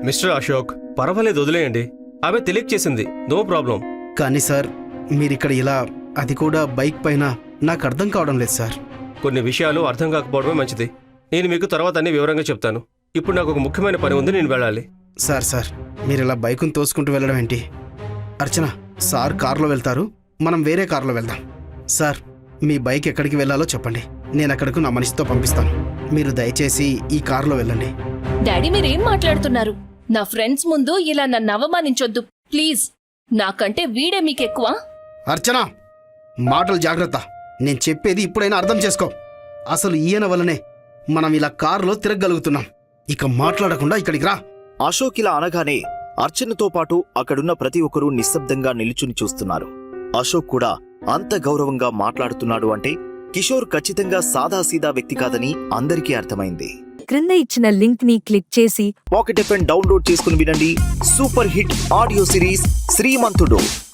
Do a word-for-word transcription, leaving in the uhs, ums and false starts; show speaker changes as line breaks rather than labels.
Mister Ashok, పర్వాలేదు వదిలేయండి. ఆమె తెలియచేసింది, నో ప్రాబ్లం.
కానీ సార్ మీరిక్కడ ఇలా, అది కూడా బైక్ పైన, నాకు అర్థం కావడం లేదు సార్.
కొన్ని విషయాలు అర్థం కాకపోవడమే మంచిది. నేను మీకు తర్వాత అన్ని వివరంగా చెప్తాను. ఇప్పుడు నాకు ఒక ముఖ్యమైన పని ఉంది, నేను వెళ్ళాలి.
సార్ సార్ మీరు ఇలా బైకును తోసుకుంటూ వెళ్ళడం ఏంటి? అర్చన, సార్ కారులో వెళ్తారు, మనం వేరే కారులో వెళ్దాం. సార్ మీ బైక్ ఎక్కడికి వెళ్ళాలో చెప్పండి, నేను అక్కడకు నా మనిషితో పంపిస్తాను. మీరు దయచేసి ఈ కారులో వెళ్ళండి.
డాడీ మీరేం మాట్లాడుతున్నారు? నా ఫ్రెండ్స్ ముందు ఇలా నన్ను అవమానించొద్దు ప్లీజ్. నాకంటే వీడే మీకెక్కువ.
అర్చన, మాటలు జాగ్రత్త. నేను చెప్పేది ఇప్పుడైనా అర్థం చేసుకో. అసలు ఈయన వల్లనే మనం ఇలా కారులో తిరగగలుగుతున్నాం. ఇక మాట్లాడకుండా ఇక్కడికి రా.
అశోక్ ఇలా అనగానే అర్చనతో పాటు అక్కడున్న ప్రతి ఒక్కరూ నిశ్శబ్దంగా నిలుచుని చూస్తున్నారు. అశోక్ కూడా అంత గౌరవంగా మాట్లాడుతున్నాడు అంటే కిషోర్ ఖచ్చితంగా సాదాసీదా వ్యక్తి కాదని అందరికీ అర్థమైంది.
క్రింద ఇచ్చిన లింక్ ని క్లిక్ చేసి
పాకెట్ ఎఫ్ ఎం డౌన్లోడ్ చేసుకుని వినండి సూపర్ హిట్ ఆడియో సిరీస్ శ్రీమంతుడు.